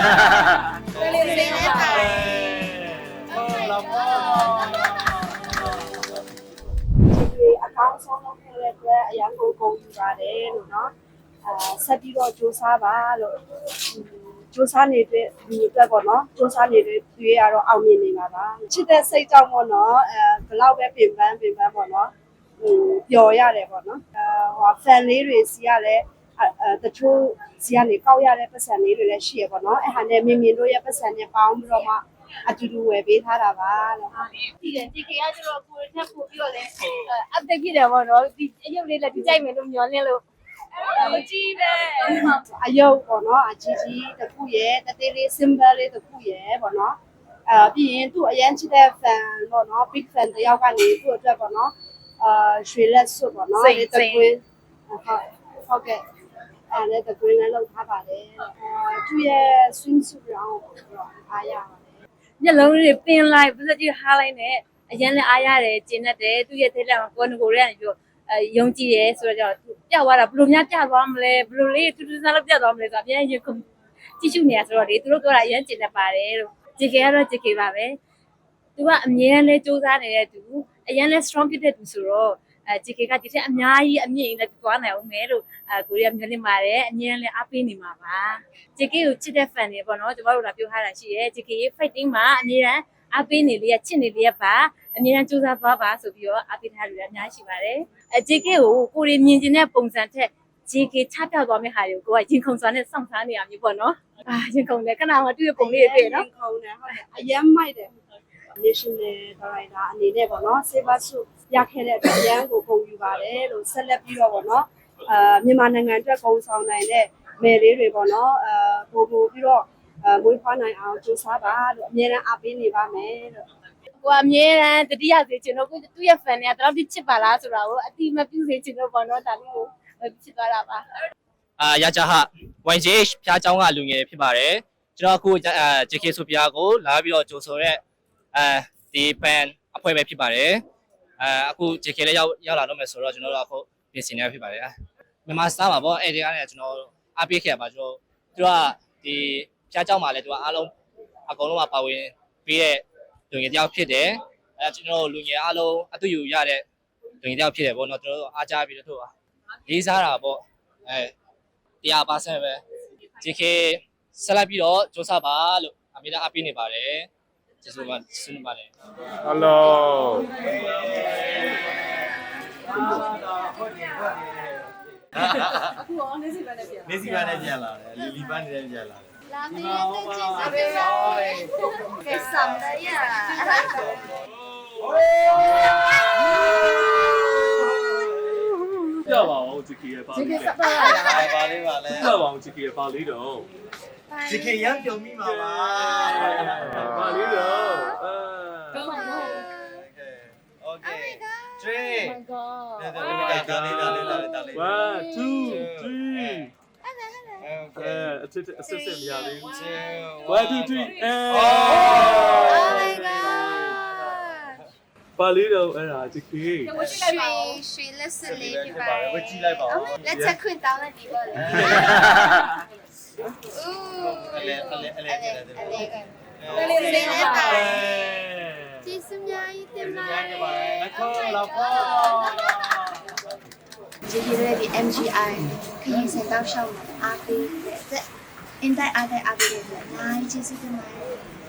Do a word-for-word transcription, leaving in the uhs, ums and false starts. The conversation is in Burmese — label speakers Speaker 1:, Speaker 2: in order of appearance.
Speaker 1: လေးလေးနဲ့ပါတယ်ဟုတ်လားပေါ့ဒီအကောင့်ဆုံးလုပ်ခဲ့တဲ့အတွက်အရန်ကိုဂုဏ်ယူပါတယ်လို့နော်အာဆက်ပြီးတော့စူးစမ်းပါလို့စူးစမ်းနေတဲ့ဒီအတွက်ပေါ့နော်စူးစမ်းနေတဲ့သူရတော့အောင်မြင်နေပါပါချစ်တဲ့စိတ်ကြောင့်ပေါ့နော်အဲဘလောက်ပဲပြင်ပန်းပြင်ပန်းပေါ့နော်ဟိုပျော်ရတယ်ပေါ့နော်အဲဟို fan လေးတွေစီရလဲအဲတချို့စီကနေကောက်ရတဲ့ပတ်စံလေးတွေလည်းရှိရပေါ့နော်အဲဟာနဲ့မြင်မြင်တို့ရဲ့ပတ်စံနဲ့ပေါင်းပြီးတော့မှအတူတူဝယ်ပေးထားတာပါလို့ဒီကဒီကရကျတော့ကိုယ်ထပ်ပို့ပြီးတော့လဲအပ်တက်ဖြစ်တယ်ပေါ့နော်ဒီအရုပ်လေးလည်းဒီကြိုက်မယ်လို့မျှော်လင့်လို့မကြည့်နဲ့အယုတ်ပေါ့နော်အကြီးကြီးတစ်ခုရဲ့တသေးလေး symbol လေးတစ်ခုရဲ့ပေါ့နော်အဲပြီးရင်သူ့အရန်ချစ်တဲ့ fan ပေါ့နော် big fan တယောက်ကနေသူ့အတွက်ပေါ့နော်အာရွှေလက်စွပ်ပေါ့နော်ဒီတကွင်းဟုတ်ဟုတ်ကဲ့အဲ့ဒါတကွင်းလည်းလောက်ထားပါတယ်အဲသူ့ရဲ့ swimsuit ရောင်းတော့အားရပါတယ်ညလုံးလေးပင်လိုက်ပတ်စကြီးဟားလိုက်နဲ့အရန်လည်းအားရတယ်ကျင်းတတ်တယ်သူ့ရဲ့ထိတ်လက်ကိုကိုကိုရဲကနေပြီးအဲယုံကြည်ရဲဆိုတော့ပြသွားတာဘယ်လိုများပြသွားမလဲဘယ်လိုလေးတူတူဆန်းလောက်ပြသွားမလဲဆိုတော့အများကြီးခုကြည့်ရှုနေရဆိုတော့လေသူတို့ပြောတာအရင်ကျင်တတ်ပါတယ်လို့ဂျေကေကတော့ဂျေကေပါပဲသူကအမြဲတမ်းလဲစူးစမ်းနေတဲ့သူအရင်လဲ strong ဖြစ်တဲ့သူဆိုတော့အဲဂျေကေကဒီထက်အများကြီးအမြင့်နဲ့သွားနိုင်အောင်မယ်လို့အဲကိုရီးယားမျိုးလင့်ပါတယ်အမြဲတမ်းလဲအားပေးနေမှာပါဂျေကေကိုချစ်တဲ့ fan တွေပေါ့နော်ကျမတို့ကပြောထားတာရှိရဲဂျေကေရဲ့ fighting မှာအမြဲတမ်းအားပေးနေလေးရချစ်နေလေးရပါအမြဲတမ်းစူးစမ်းသွားပါဆိုပြီးတော့အားပေးထားလို့အများကြီးရှိပါတယ်အဲ ဂျေကေ ကိုကိုရီမြင်ကျင်တဲ့ပုံစံထက် ဂျေကေ ချပြသွားမယ့်ဟာတွေကိုကိုကရင်ခုန်စွာနဲ့စောင့်စားနေရမျိုးပေါ့နော်အာရင်ခုန်တယ်ခဏမှတွေ့ရပုံလေးတွေ့နော်ရင်ခုန်တယ်ဟုတ်တယ်အယမ်းမိုက်တယ် national director အနေနဲ့ပေါ့နော် silver suit ရခဲ့တဲ့အတွက်အယမ်းကိုပုံယူပါတယ်လို့ဆက်လက်ပြီးတော့ပေါ့နော်အာမြန်မာနိုင်ငံအတွက်ပုံဆောင်နိုင်တဲ့မယ်လေးတွေပေါ့နော်အာပို့ပို့ပြီးတော့အာမွေးဖွားနိုင်အောင်ကြိုးစားပါလို့အမြဲတမ်းအားပေးနေပါမယ်လို့ကိုအမြဲတမ်းတတိယစေချင်တော့ကိုသူ့ရဲ့ fan တွေကတော်တော်ချစ်ပါလားဆိုတာကိုအတိမပြုစေချင်တော့ပေါ့နော်ဒါလေးကိုချစ်သွားတာပါ
Speaker 2: အာရကြဟ ဝိုင် ဂျေ ဖျားเจ้าကလူငယ်ဖြစ်ပါတယ်ကျွန်တော်အခုအဲ ဂျေကေ ဆိုဖျားကိုလာပြီးတော့ကြိုဆိုရဲအဲဒီ fan အဖွဲ့ပဲဖြစ်ပါတယ်အဲအခု ဂျေကေ လည်းရောက်ရောက်လာတော့မယ်ဆိုတော့ကျွန်တော်တို့အခုပြင်ဆင်နေဖြစ်ပါတယ်မြန်မာစတားပါပေါ့အဲ့ဒီကနေကျွန်တော်အားပေးခဲ့ပါကျွန်တော်သူကဒီဖျားเจ้าမှာလည်းသူကအားလုံးအကုန်လုံးကပါဝင်ပြီးတဲ့လူငယ်တယောက်ဖြစ်တယ်အဲကျွန်တော်လူငယ်အားလုံးအတူယူရတဲ့လူငယ်တယောက်ဖြစ်တယ်ပေါ့နော်ကျွန်တော်တို့အားကြပြီးတော့သူကလေးစားတာပေါ့အဲတရားပါဆက်ပဲဂျေကေဆက်လက်ပြီးတော့စူးစမ်းပါလို့အမေကအပေးနေပါတယ်ကျေးဇူးပါဆုနေပါတယ်
Speaker 3: Hello
Speaker 1: အခုရောနေစီပါနဲ့ပြန်
Speaker 4: နေစီပါနဲ့ပြန်လာတယ်လီလီပန်းနေနဲ့ပြန်လာတယ်
Speaker 1: လာမေးတဲ့ကျေးဇူးပဲကဲဆမ်လာရ
Speaker 3: ပြပါအောင်ဂျီကေရဲ့ပါလေးဂျီကေစ
Speaker 1: ပါလား
Speaker 4: ပါလေးပါလဲ
Speaker 3: ပြပါအောင်ဂျီကေရဲ့ပါလေးတော့
Speaker 4: ဂျီကေရမ်းပြုံမိမှာပါ
Speaker 3: ပါလေးတော့အာ
Speaker 4: Okay three
Speaker 1: oh my god
Speaker 4: ဒါလေးဒါလေးဒါလေးဒါလေး
Speaker 3: one two three
Speaker 4: အဲ
Speaker 3: အစစ်အစစ်စစ်မရသေးဘူး
Speaker 4: two
Speaker 3: one two three အဲ
Speaker 1: oh my god
Speaker 3: ပါလေးတော့အဲ့ဒါဂျီကေ
Speaker 1: ရွှေရွှေလက်စလေးပြပါ
Speaker 4: ဝကြည့်လိုက်ပါဦး
Speaker 1: လက်ချက်ခွင့်တောင်းလိုက်ဒီပါလေဦး
Speaker 4: အလဲအလဲအလဲအလဲ
Speaker 1: အလဲလေးနဲ့ပါကျေးဇူးများကြီးတင်ပါတယ်
Speaker 4: လက်ခေါ်လောက်ခေါ်
Speaker 1: ဂျီဂျီရဲ့ဒီ M G I ခရီးစံတောက်ရှောက်မှာအားပေးတဲ့အင်တိုက်အားတိုက်အားပေးတဲ့အများကြီးကျေးဇူးတင်ပါတယ်